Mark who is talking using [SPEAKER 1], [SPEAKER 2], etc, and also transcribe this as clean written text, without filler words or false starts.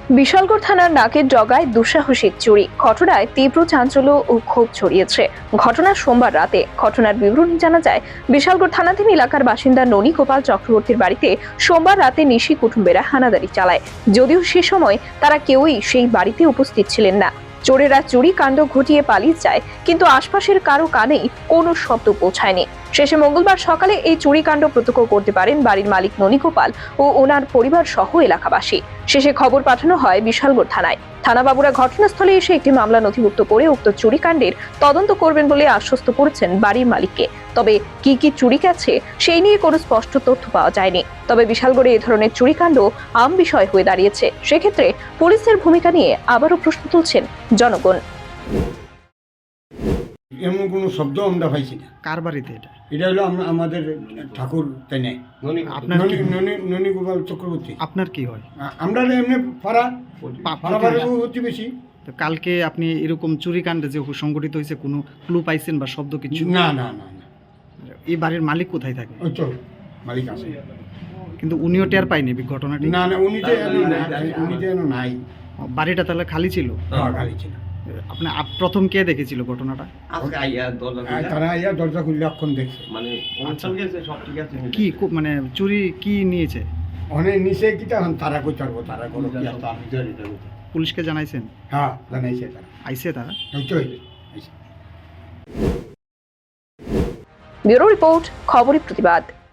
[SPEAKER 1] বিশালগড় থানার নাকের ডগায় দুঃসাহসিক চুরি ঘটনায় তীব্র চাঞ্চল্য ও ক্ষোভ ছড়িয়েছে। ঘটনা সোমবার রাতে। ঘটনার বিবরণী জানা যায়, বিশালগড় থানাধীন এলাকার বাসিন্দা ননী গোপাল চক্রবর্তীর বাড়িতে সোমবার রাতে নিশি কুটুম্বেরা হানাদারি চালায়। যদিও সে সময় তারা কেউই সেই বাড়িতে উপস্থিত ছিলেন না। চোরেরা চুরি কাণ্ড ঘটিয়ে পালিয়ে যায়, কিন্তু আশপাশের কারো কানেই কোনো শব্দ পৌঁছায়নি। শেষে মঙ্গলবার সকালে এই চুরিকাণ্ড প্রত্যক্ষ করতে পারেন বাড়ির মালিক ননী গোপাল ও ওনার পরিবার সহ এলাকাবাসী। শেষে খবর পাঠানো হয় বিশালগড় থানায়। থানাবাবুরা ঘটনাস্থলে এসে একটি মামলা নথিভুক্ত করে উক্ত চুরিকাণ্ডের তদন্ত করবেন বলে আশ্বস্ত করেছেন বাড়ির মালিককে। তবে কি কি চুরি গেছে সেই নিয়ে কোনো স্পষ্ট তথ্য পাওয়া যায়নি। তবে বিশালগড়ে এ ধরনের চুরিকাণ্ড আম বিষয় হয়ে দাঁড়িয়েছে। সেক্ষেত্রে পুলিশের ভূমিকা নিয়ে আবারও প্রশ্ন তুলছেন জনগণ।
[SPEAKER 2] এমন কোনো শব্দ আমরা পাইছি না।
[SPEAKER 3] কার বাড়িতে এটা?
[SPEAKER 2] এটা হলো আমাদের ঠাকুর তাই নাই,
[SPEAKER 3] আপনার কি
[SPEAKER 2] ননী গোপাল চক্রবর্তী।
[SPEAKER 3] আপনার কি হয়?
[SPEAKER 2] আমরা এমনি পাড়া
[SPEAKER 3] প্রতিবেশী।
[SPEAKER 2] হচ্ছে বেশি।
[SPEAKER 3] তো কালকে আপনি এরকম চুরিকাণ্ডে যে সংগঠিত হয়েছে কোনো ক্লু পাইছেন বা শব্দ কিছু?
[SPEAKER 2] না না না না,
[SPEAKER 3] এই বাড়ির মালিক কোথায় থাকে?
[SPEAKER 2] ওই তো মালিক আছে,
[SPEAKER 3] কিন্তু উনিও টের পায়নি ঘটনাটি?
[SPEAKER 2] না না, উনি তো এখনো নাই।
[SPEAKER 3] বাড়িটা তাহলে খালি ছিল?
[SPEAKER 2] খালি ছিল।
[SPEAKER 3] আপনি প্রথম কে দেখেছিল ঘটনাটা?
[SPEAKER 2] তারা আইয়া দরজা খুললে অক্ষণ দেখছে।
[SPEAKER 3] কি মানে চুরি কি নিয়েছে?
[SPEAKER 2] অনেক নিচে কিটা তারা কই পারবো, তারা কোনো কি আছে আমি জানি না।
[SPEAKER 3] পুলিশকে জানাইছেন?
[SPEAKER 2] হ্যাঁ জানাইছে তারা,
[SPEAKER 3] আইছে তারা?
[SPEAKER 2] ওই তো
[SPEAKER 1] ব্যুরো রিপোর্ট, খবরের প্রতিবাদ।